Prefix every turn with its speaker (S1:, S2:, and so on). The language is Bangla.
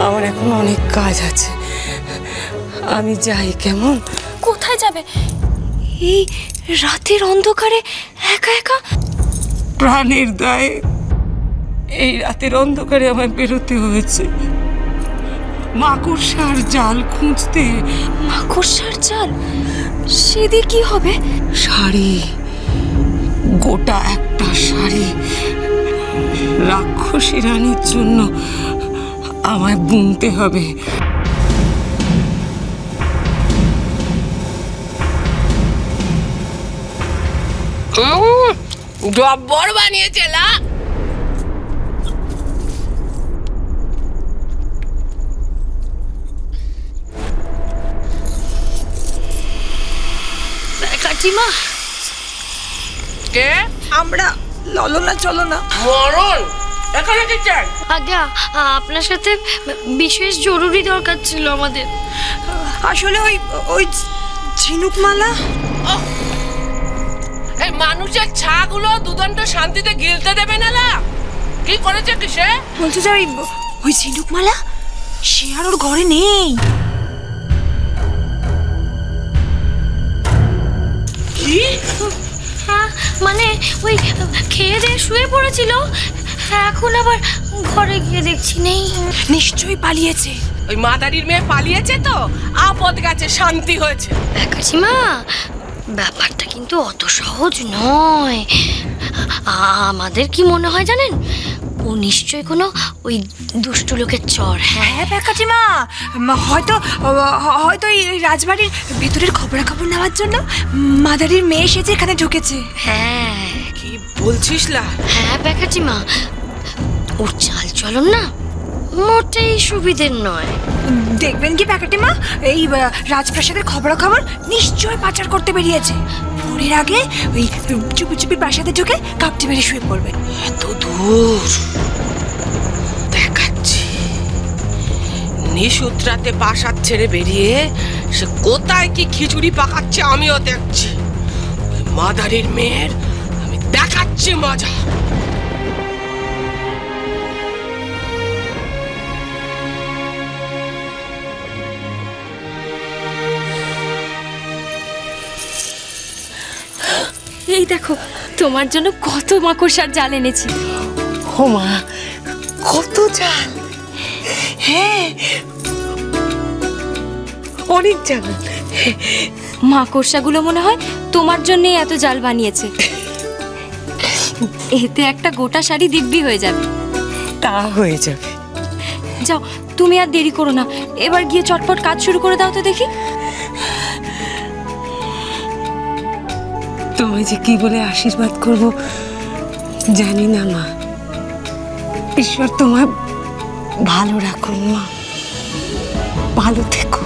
S1: আমার এখন অনেক কাজ আছে, আমি যাই। কেমন?
S2: কোথায় যাবে এই রাতের অন্ধকারে একা একা?
S1: প্রাণের দায়ে এই রাতের অন্ধকারে আমায় বেরোতে হয়েছে মাকড়সার জাল খুঁজতে।
S2: মাকড়সার জাল? সেদি কি হবে?
S1: শাড়ি, গোটা একটা শাড়ি রাক্ষসী রানীর জন্য আমায় বুনতে হবে।
S3: জব্বর বানিয়েছে লা।
S2: কাকিমা,
S3: কে?
S4: আমরা ললনা চলনা।
S3: মরণ এখানে কি চাই?
S2: আজ্ঞা, আপনার সাথে বিশেষ জরুরি দরকার ছিল আমাদের।
S4: আসলে ওই ওই ঝিনুকমালা।
S3: এই মানুষের ছাগুলো দুদণ্ড শান্তিতে গিলতে দেবে না লা। কি করেছে কি সে?
S4: বলছে যে ওই ঝিনুকমালা সে আর ওর ঘরে নেই।
S3: কি?
S2: হ্যাঁ, মানে ওই খেয়ে দিয়ে শুয়ে পড়েছিল, এখন আবার ঘরে গিয়ে দেখছি নেই।
S4: নিশ্চয়ই পালিয়েছে।
S3: ওই মাদারির মেয়ে পালিয়েছে তো আপদ গেছে, শান্তি হয়েছে।
S2: কাকিমা, ব্যাপারটা কিন্তু অত সহজ নয়। আমাদের কি মনে হয় জানেন, ও নিশ্চয়ই কোনো ওই দুষ্টু লোকের চর।
S4: হ্যাঁ কাকিমা, হয়তো হয়তো এই রাজবাড়ির ভেতরের খবরাখবর নেওয়ার জন্য মাদারির মেয়ে এসেছে এখানে ঢুকেছে।
S2: হ্যাঁ
S3: কি বলছিস লা?
S2: হ্যাঁ কাকিমা, ওর চাল চলন না মোটেই সুবিধের নয়।
S4: দেখবেন কি কাকিমা, এই রাজপ্রাসাদের খবরাখবর নিশ্চয়ই পাচার করতে বেরিয়েছে। ভোরের আগে ওই চুপি চুপি প্রাসাদে ঢুকে কাপটি মেরে শুয়ে পড়বে।
S3: এত দূর দেখাচ্ছি। নিশুত্রাতে প্রাসাদ ছেড়ে বেরিয়ে সে কোথায় কি খিচুড়ি পাকাচ্ছে আমিও দেখছি। ওই মাদারির মেয়ের আমি দেখাচ্ছি মজা।
S2: এই দেখো, তোমার জন্য কত মাকড়সার জাল এনেছি।
S1: ও মা, কত জাল! হ্যাঁ, অনেক জাল।
S2: মাকড়সাগুলো মনে হয় তোমার জন্যই এত জাল বানিয়েছে। এতে একটা গোটা শাড়ি দিব্যি হয়ে যাবে।
S1: তা হয়ে যাবে।
S2: যাও, তুমি আর দেরি করো না, এবার গিয়ে চটপট কাজ শুরু করে দাও তো দেখি।
S1: তোমায় যে কি বলে আশীর্বাদ করব জানি না মা। ঈশ্বর তোমায় ভালো রাখুন মা, ভালো থেকো।